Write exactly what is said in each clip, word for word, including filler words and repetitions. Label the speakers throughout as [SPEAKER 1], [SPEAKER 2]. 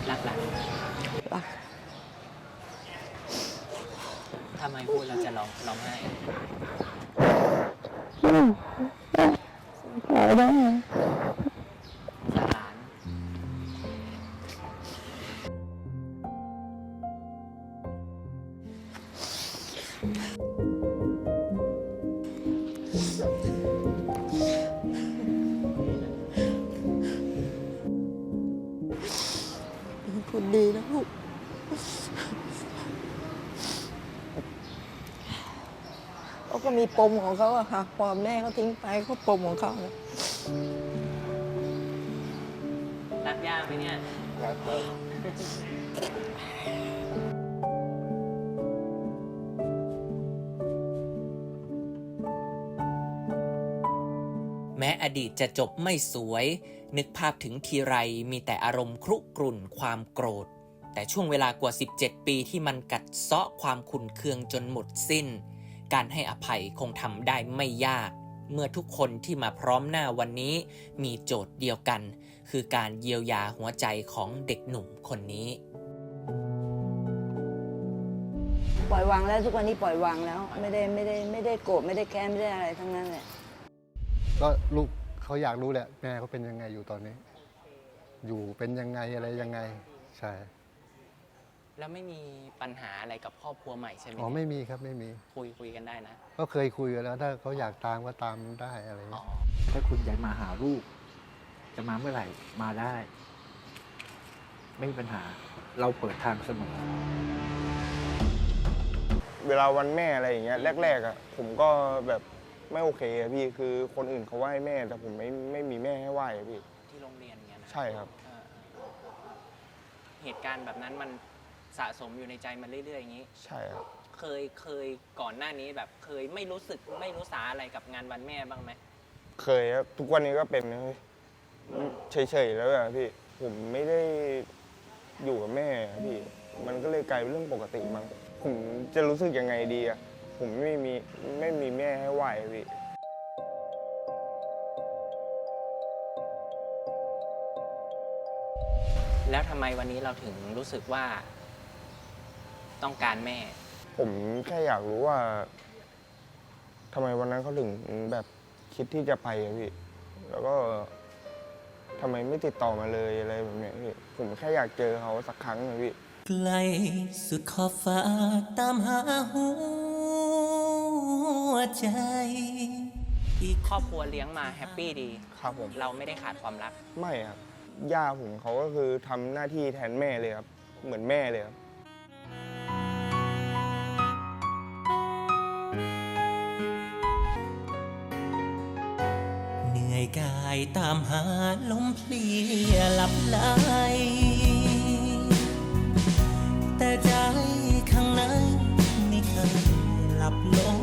[SPEAKER 1] รักหลาน
[SPEAKER 2] รัก
[SPEAKER 1] ทำไมพูดเราจะร้องร้องไห้
[SPEAKER 2] ขอได้
[SPEAKER 1] สารหลาน
[SPEAKER 2] เป็นคนดีนะลูกเขาก็มีปมของเขาอะค่ะพอแม่เขาทิ้งไปเขาปมของเขาเลย
[SPEAKER 1] รักย่าไหมเนี่ยรักแม้อดีตจะจบไม่สวยนึกภาพถึงทีไรมีแต่อารมณ์ครุกรุ่นความโกรธแต่ช่วงเวลากว่าสิบเจ็ดปีที่มันกัดเซาะความขุ่นเคืองจนหมดสิ้นการให้อภัยคงทำได้ไม่ยากเมื่อทุกคนที่มาพร้อมหน้าวันนี้มีโจทย์เดียวกันคือการเยียวยาหัวใจของเด็กหนุ่มคนนี้
[SPEAKER 2] ปล่อยวางแล้วทุกวันนี้ปล่อยวางแล้วไม่ได้ไม่ได้ไม่ได้โกรธไม่ได้แค้นไม่ได้อะไรทั้งนั้นแหละ
[SPEAKER 3] ก็ลูกเขาอยากรู้แหละแม่เขาเป็นยังไงอยู่ตอนนี้อยู่เป็นยังไงอะไรยังไงใช่
[SPEAKER 1] แล้วไม่มีปัญหาอะไรกับครอบครัวใหม่ใช่ไหม
[SPEAKER 3] อ๋อไม่มีครับไม่มี
[SPEAKER 1] คุยคุยกันได้นะ
[SPEAKER 3] ก็เคยคุยกันแล้วถ้าเขาอยากตามก็ตามได้อะไรอย่างเงี้ย
[SPEAKER 4] ถ้าคุณอยากมาหาลูกจะมาเมื่อไหร่มาได้ไม่มีปัญหาเราเปิดทางเสมอ
[SPEAKER 5] เวลาวันแม่อะไรอย่างเงี้ยแรกๆอ่ะผมก็แบบไม่โอเคอะพี่คือคนอื่นเขาไหว้แม่แต่ผมไม่ไม่มีแม่ให้ไหว้อะพี่
[SPEAKER 1] ที่โรงเรียนเงี้ยนะ
[SPEAKER 5] ใช่ครับ
[SPEAKER 1] เหตุการณ์แบบนั้นมันสะสมอยู่ในใจมันเรื่อยๆอย่างนี้
[SPEAKER 5] ใช่ครับ
[SPEAKER 1] เคยเคยก่อนหน้านี้แบบเคยไม่รู้สึกไม่รู้สาอะไรกับงานวันแม่บ้างไหม
[SPEAKER 5] เคยครับทุกวันนี้ก็เป็นเฉยๆแล้วอะพี่ผมไม่ได้อยู่กับแม่พี่มันก็เลยกลายเป็นเรื่องปกติมั้งผมจะรู้สึกยังไงดีอะผมไม่มีไม่มีแม่ให้ไหว้พี่
[SPEAKER 1] แล้วทำไมวันนี้เราถึงรู้สึกว่าต้องการแม่
[SPEAKER 5] ผมแค่อยากรู้ว่าทำไมวันนั้นเขาถึงแบบคิดที่จะไปอะพี่แล้วก็ทำไมไม่ติดต่อมาเลยอะไรแบบนี้พี่ผมแค่อยากเจอเขาสักครั้งนะพี่
[SPEAKER 1] ไกลสุดขอบฟ้าตามหาหัวใจที่ครอบครัวเลี้ยงมาแฮปปี้ดี
[SPEAKER 5] ครับผม
[SPEAKER 1] เราไม่ได้ขาดความรัก
[SPEAKER 5] ไม่ครับย่าผมเขาก็คือทำหน้าที่แทนแม่เลยครับเหมือนแม่เลยครับ
[SPEAKER 1] เหนื่อยกายตามหาลมเพลียหลับไหลแต่ใจข้างในไม่เคยหลับลง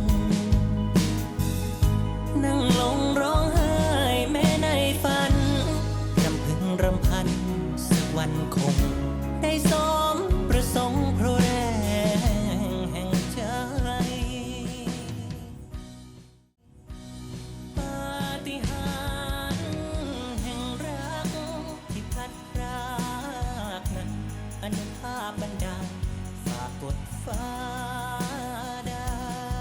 [SPEAKER 1] นั่งลงร้องไห้แม้ในฝันรำพึงรำพันสักวันคงได้สมประสงค์เพราะแรงแห่งใจปาฏิหาริย์แห่งรักที่พัดพรากนั้นอนุภาพบันดาลฝากกดฟ้าได้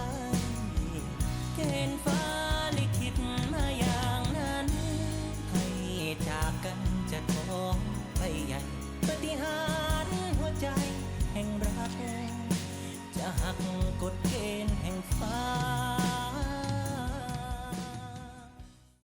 [SPEAKER 1] เกณฑ์ฟ้าลิขิตมาอย่างนั้นให้จากกันจะท้องไปใหญ่ปาฏิหาริย์หัวใจแห่งรักจะหักกฎเกณฑ์แห่งฟ้า